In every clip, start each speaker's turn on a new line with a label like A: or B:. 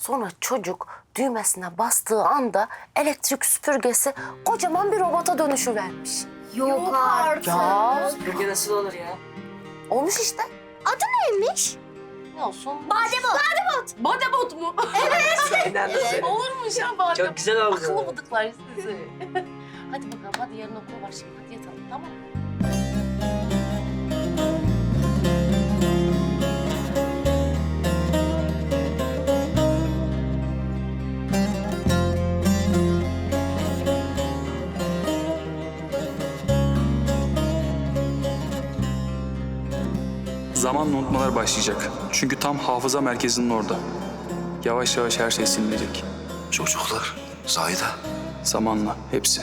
A: Sonra çocuk düğmesine bastığı anda elektrik süpürgesi kocaman bir robota dönüşüvermiş.
B: Yok artık.
A: Ya
C: Süpürge nasıl olur ya?
A: olmuş işte.
B: Adı neymiş?
A: Ne olsun?
B: Bademot.
A: Bademot mu?
C: İnandım.
A: Olurmuş ya bademot.
C: Çok güzel oldu.
A: Akıllı bıdıklar sizi. Hadi bakalım, hadi yarın okul var şimdi. Hadi yatalım, tamam mı?
D: Zamanla unutmalar başlayacak. Çünkü tam hafıza merkezinin orada. Yavaş yavaş her şey silinecek.
E: Çocuklar, Zahide.
D: Zamanla hepsi.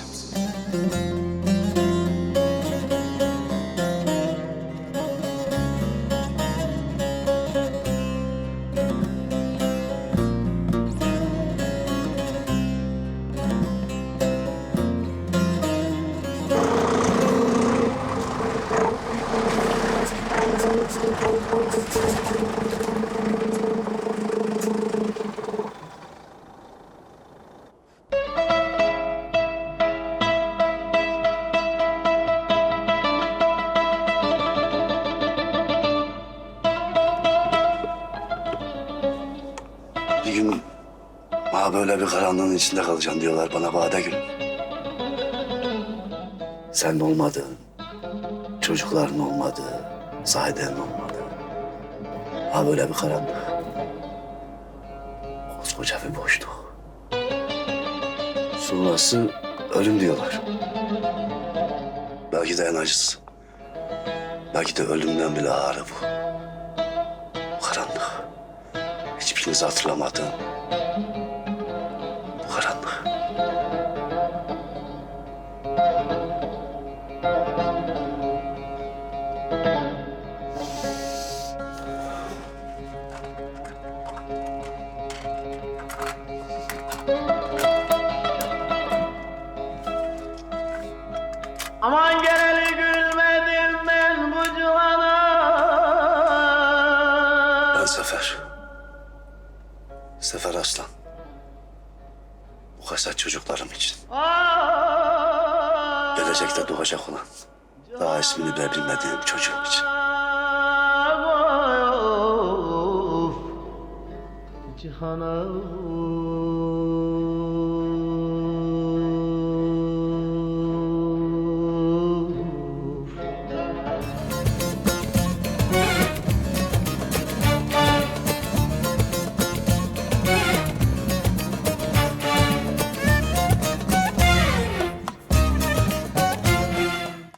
E: Bir gün böyle bir karanlığın içinde kalacaksın diyorlar bana Badegül. Sen olmadın, çocukların olmadı, Zahide'nin olmadı. Böyle bir karanlık. Koskoca bir boşluk. Sonrası ölüm diyorlar. Belki de en acısı. Belki de ölümden bile ağırı bu. Bu karanlık. Hiçbirinizi hatırlamadığım bu karanlık.
F: Aman geleli gülmedim ben bu cihana.
E: Ben Sefer. Sefer Aslan. Bu kaset çocuklarım için. Gelecekte doğacak olan, daha ismini bile bilmediğim çocuğum için.
F: Cihana.